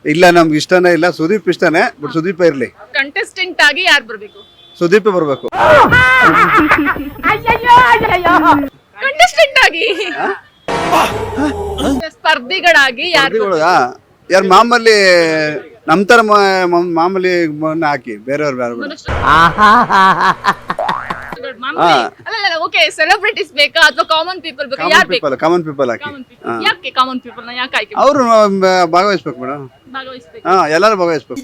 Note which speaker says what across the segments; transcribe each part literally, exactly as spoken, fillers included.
Speaker 1: ಇಲ್ಲ ನಮ್ಗೆ ಇಷ್ಟನೇ ಇಲ್ಲ, ಸುದೀಪ್ ಇಷ್ಟನೇ, ಬಟ್ ಸುದೀಪ ಇರ್ಲಿ.
Speaker 2: ಕಂಟೆಸ್ಟೆಂಟ್ ಆಗಿ ಯಾರು ಬರ್ಬೇಕು?
Speaker 1: ಸುದೀಪ್ ಬರ್ಬೇಕು.
Speaker 2: ಕಂಟೆಸ್ಟೆಂಟ್ ಆಗಿ ಸ್ಪರ್ಧಿಗಳಾಗಿ ಯಾರು?
Speaker 1: ಯಾರು ಮಾಮೂಲಿ ನಮ್ ತರ ಮಾಮೂಲಿ ಹಾಕಿ, ಬೇರೆಯವ್ರು ಬೇರೆ ಬೇಡ.
Speaker 2: ಓಕೆ, ಸೆಲೆಬ್ರಿಟೀಸ್ ಬೇಕಾ ಅಥವಾ ಕಾಮನ್ ಪೀಪಲ್ ಬೇಕಾ? ಯಾರು ಬೇಕು?
Speaker 1: ಕಾಮನ್ ಪೀಪಲ್ ಹಾಕಿ.
Speaker 2: ಯಾಕೆ ಕಾಮನ್ ಪೀಪಲ್ ನ ಯಾಕೆ ಆಯ್ಕೆ?
Speaker 1: ಅವರು ಭಾಗವಹಿಸ್ಬೇಕು ಮೇಡಮ್.
Speaker 2: ಭಾಗವಹಿಸ್ಬೇಕು.
Speaker 1: ಹಾ, ಎಲ್ಲರೂ ಭಾಗವಹಿಸ್ಬೇಕು.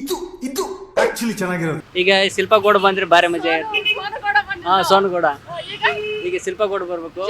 Speaker 3: ಈಗ ಶಿಲ್ಪ ಗೌಡ ಬಂದ್ರೆ ಬಾರಿ ಮಜಾ ಇರುತ್ತೆ. ಹಾ, ಸೋನಗೌಡ. ಈಗ ಶಿಲ್ಪ ಗೌಡ ಬರ್ಬೇಕು,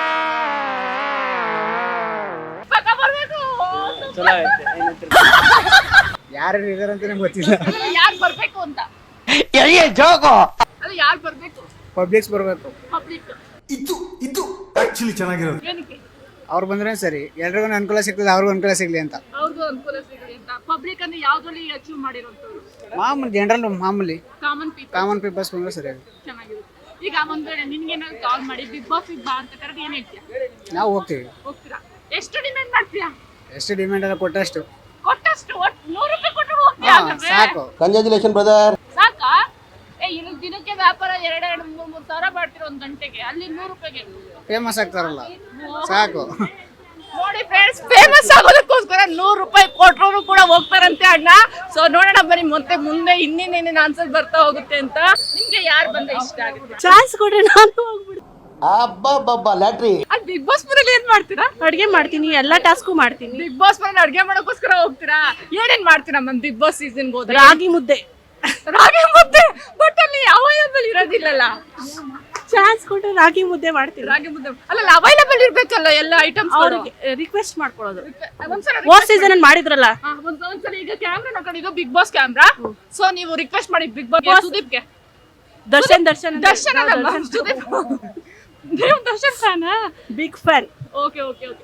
Speaker 3: ಚಲೋ ಐತೆ.
Speaker 4: ಯಾರು ಇದಾರೆ ಅಂತಾನೆ ಗೊತ್ತಿಲ್ಲ.
Speaker 2: ಯಾರು ಬರ್ಬೇಕು ಅಂತ? ಅಲ್ಲ, ಯಾರು ಬರ್ಬೇಕು?
Speaker 4: ಪಬ್ಲಿಕ್ಸ್ ಬರಬೇಕು.
Speaker 2: ಪಬ್ಲಿಕ್.
Speaker 5: ಇದು ಇದು ಆಕ್ಚುಲಿ ಚೆನ್ನಾಗಿರೋದು.
Speaker 2: ಏನಕ್ಕೆ?
Speaker 4: ಅವ್ರು ಬಂದ್ರೆ ಸರಿ, ಎಲ್ರಿಗೂ ಅನುಕೂಲ ಸಿಗ್ತದೆ, ಅವ್ರಿಗೂ ಅನುಕೂಲ ಸಿಗ್ಲಿ ಅಂತ.
Speaker 2: ಅವ್ರಿಗೂ ಅನುಕೂಲ ಸಿಗಲಿ ಅಂತ. ಪಬ್ಲಿಕ್ ಅಂದ್ರೆ ಯಾವ್ದ್ರಲ್ಲಿ ಅಚೀವ್ ಮಾಡಿರೋಂಥವ್ರು?
Speaker 4: ಮಾಮೂಲಿ ಜನರಲ್ ಮಾಮೂಲಿ
Speaker 2: ಕಾಮನ್ ಪೀಪಲ್.
Speaker 4: ಕಾಮನ್ ಪೀಪಲ್ಸ್ ಬಂದ್ರೆ ಸರಿ.
Speaker 2: ಚೆನ್ನಾಗಿರುತ್ತೆ. ಈಗ ಒಂದ್ ವೇಳೆ ನಿನ್ಗೇನಾದ್ರು ಕಾಲ್ ಮಾಡಿ ಬಿಗ್ ಬಾಸ್ ಬಾ ಅಂತ ಕರೆದು ಏನ್ ಹೇಳ್ತೀಯ?
Speaker 4: ನಾವು ಹೋಗ್ತೀವಿ.
Speaker 2: ಹೋಗ್ತೀರಾ? ಎಷ್ಟು ಡಿಮ್ಯಾಂಡ್ ಮಾಡ್ತೀಯಾ?
Speaker 4: ಎಷ್ಟು ಡಿಮ್ಯಾಂಡ್ ಎಲ್ಲ ಕೊಟ್ಟಷ್ಟು.
Speaker 2: ಕೊಟ್ಟಷ್ಟು ಒಟ್ಟು ನೂರು ರೂಪಾಯಿ ಕೊಟ್ಟರು ಹೋಗ್ತೀಯಾ?
Speaker 4: ಹಾ,
Speaker 2: ಹಾಗಾದ್ರೆ?
Speaker 4: ಸಾಕು.
Speaker 5: Congratulation brother.
Speaker 2: ಸಾಕಾ? ಏ, ಇಲ್ಲಿ ದಿನಕ್ಕೆ ವ್ಯಾಪಾರ ಎರಡು ಎರಡು ಮೂರು ಮೂರು ಸಾವಿರ ಮಾಡ್ತಿರೋ ಒಂದ್ ಗಂಟೆಗೆ, ಅಲ್ಲಿ ನೂರು ರೂಪಾಯಿಗೆ
Speaker 4: ಫೇಮಸ್ ಆಗ್ತಾರಲ್ಲ, ಸಾಕು.
Speaker 2: ನೋಡಿ ಫ್ರೆಂಡ್ಸ್, ಫೇಮಸ್ ಆಗೋದಕ್ಕೋಸ್ಕರ ನೂರು ರೂಪಾಯಿ ಕೊಟ್ಟರು ಕೂಡ ಹೋಗ್ತಾರಂತೆ ಅಣ್ಣ. ಸೊ ನೋಡೋಣ ಬನ್ನಿ ಮತ್ತೆ ಮುಂದೆ ಇನ್ನೇನೇನೇನು ಆನ್ಸರ್ ಬರ್ತಾ ಹೋಗುತ್ತೆ ಅಂತ. ನಿಮ್ಗೆ ಯಾರು ಬಂದ್ರೆ ಇಷ್ಟ ಆಗುತ್ತೆ?
Speaker 6: ಚಾನ್ಸ್ ಕೊಡ್ರಿ, ನಾನು ಹೋಗ್ಬಿಡ್ತೀನಿ.
Speaker 5: ಅಬ್ಬಬ್ಬಬ್ಬ ಲ್ಯಾಟ್ರಿ.
Speaker 2: ಅಲ್ಲಿ ಬಿಗ್ ಬಾಸ್ ಮನೇಲಿ ಏನ್ ಮಾಡ್ತೀರಾ?
Speaker 6: ಅಡ್ಗೆ ಮಾಡ್ತೀನಿ, ಎಲ್ಲಾ ಟಾಸ್ಕು ಮಾಡ್ತೀನಿ.
Speaker 2: ಬಿಗ್ ಬಾಸ್ ಮನೇಲಿ ಅಡ್ಗೆ ಮಾಡೋಕ್ಕೋಸ್ಕರ ಹೋಗ್ತೀರಾ? ಏನೇನ್ ಮಾಡ್ತೀರಾ ಮ್ಯಾಮ್ ಬಿಗ್ ಬಾಸ್ ಸೀಸನ್ ಹೋದ್ರೆ?
Speaker 6: ರಾಗಿ ಮುದ್ದೆ.
Speaker 2: ರಾಗಿ ಮುದ್ದೆ, ಬಟ್ ಅಲ್ಲಿ ಅವೈಲಬಲ್ ಇರೋದಿಲ್ಲಲ್ಲ.
Speaker 6: ಚಾನ್ಸ್ ಕೊಟ್ರೆ ರಾಗಿ ಮುದ್ದೆ ಮಾಡ್ತೀನಿ.
Speaker 2: ರಾಗಿ ಮುದ್ದೆ ಅಲ್ಲ, ಅವೈಲಬಲ್ ಇರ್ಬೇಕಲ್ಲ ಎಲ್ಲ ಐಟಮ್ಸ್.
Speaker 6: ಅವ್ರಿಗೆ ರಿಕ್ವೆಸ್ಟ್ ಮಾಡ್ಕೊಳ್ಳೋದು.
Speaker 2: ಒಂದ್ಸಲ
Speaker 6: ಹೋದ್ ಸೀಸನ್ ಅಲ್ಲಿ ಮಾಡಿದ್ರಲ್ಲ,
Speaker 2: ಹಾ, ಒಂದ್ ಒಂದ್ಸಲ ಈಗ ಕ್ಯಾಮ್ರಾ ನೋಡ್ಕೊಂಡಿದ್ದು ಬಿಗ್ ಬಾಸ್ ಕ್ಯಾಮ್ರಾ. ಸೊ ನೀವು ರಿಕ್ವೆಸ್ಟ್ ಮಾಡಿ ಬಿಗ್ ಬಾಸ್ ಸುದೀಪ್ಗೆ.
Speaker 6: ದರ್ಶನ್ ದರ್ಶನ್
Speaker 2: ದರ್ಶನ್ ಅಲ್ಲ, ಸುದೀಪ್. ನೀವು ದರ್ಶನ್ ಫ್ಯಾನಾ?
Speaker 6: Big fan.
Speaker 2: Okay okay okay.